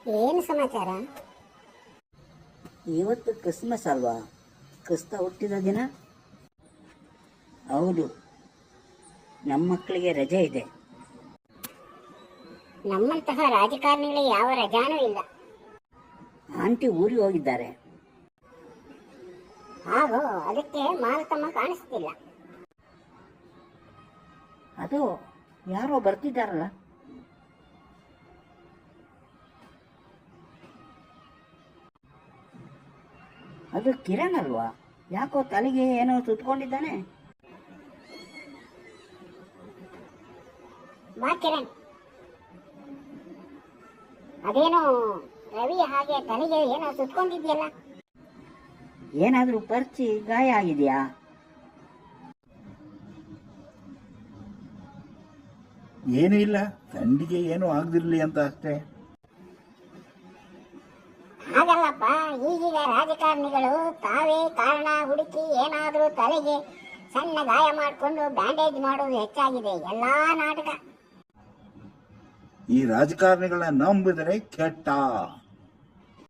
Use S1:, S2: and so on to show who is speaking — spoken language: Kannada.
S1: ಏನು ಸಮಾಚಾರ?
S2: ಇವತ್ತು ಕ್ರಿಸ್ಮಸ್ ಅಲ್ವಾ, ಕ್ರಿಸ್ತ ಹುಟ್ಟಿದ ದಿನ. ಹೌದು, ನಮ್ಮ ಮಕ್ಕಳಿಗೆ ರಜೆ ಇದೆ.
S1: ನಮ್ಮಂತಹ ರಾಜಕಾರಣಿಗಳಿಗೆ ಯಾವ ರಜಾನೂ ಇಲ್ಲ.
S2: ಆಂಟಿ ಊರಿಗೆ ಹೋಗಿದ್ದಾರೆ.
S1: ಹಾಗೂ ಅದಕ್ಕೆ ಮಾಲತಮ್ಮ ಕಾಣಿಸ್ತಿಲ್ಲ.
S2: ಅದು ಯಾರೋ ಬರ್ತಿದ್ದಾರಲ್ಲ. ಅದು ಕಿರಣ್ ಅಲ್ವಾ? ಯಾಕೋ ತಲೆಗೆ ಏನೋ ಸುತ್ಕೊಂಡಿದ್ದಾನೆ.
S1: ಬಾ ಕಿರಣ್. ಅದೇನೋ ರವಿ ಹಾಗೆ ತಲೆಗೆ ಏನೋ ಸುತ್ಕೊಂಡಿದ್ಯಲ್ಲ.
S2: ಏನಾದರೂ ಪರ್ಚಿ ಗಾಯ ಆಗಿದೆಯಾ?
S3: ಏನೂ ಇಲ್ಲ, ಥಂಡಿಗೆ ಏನೂ ಆಗದಿರಲಿ ಅಂತ ಅಷ್ಟೇ.
S1: ಹಾಗಲ್ಲಪ್ಪ, ಈಗೀಗ ರಾಜಕಾರಣಿಗಳು ತಾವೇ ಕಾರಣ ಹುಡುಕಿ ಏನಾದರೂ ತಲೆಗೆ ಸಣ್ಣ ಗಾಯ ಮಾಡಿಕೊಂಡು ಬ್ಯಾಂಡೇಜ್ ಮಾಡೋದು ಹೆಚ್ಚಾಗಿದೆ. ಎಲ್ಲಾ ನಾಟಕ.
S3: ಈ ರಾಜಕಾರಣಿಗಳನ್ನ ನಂಬಿದರೆ ಕೆಟ್ಟ.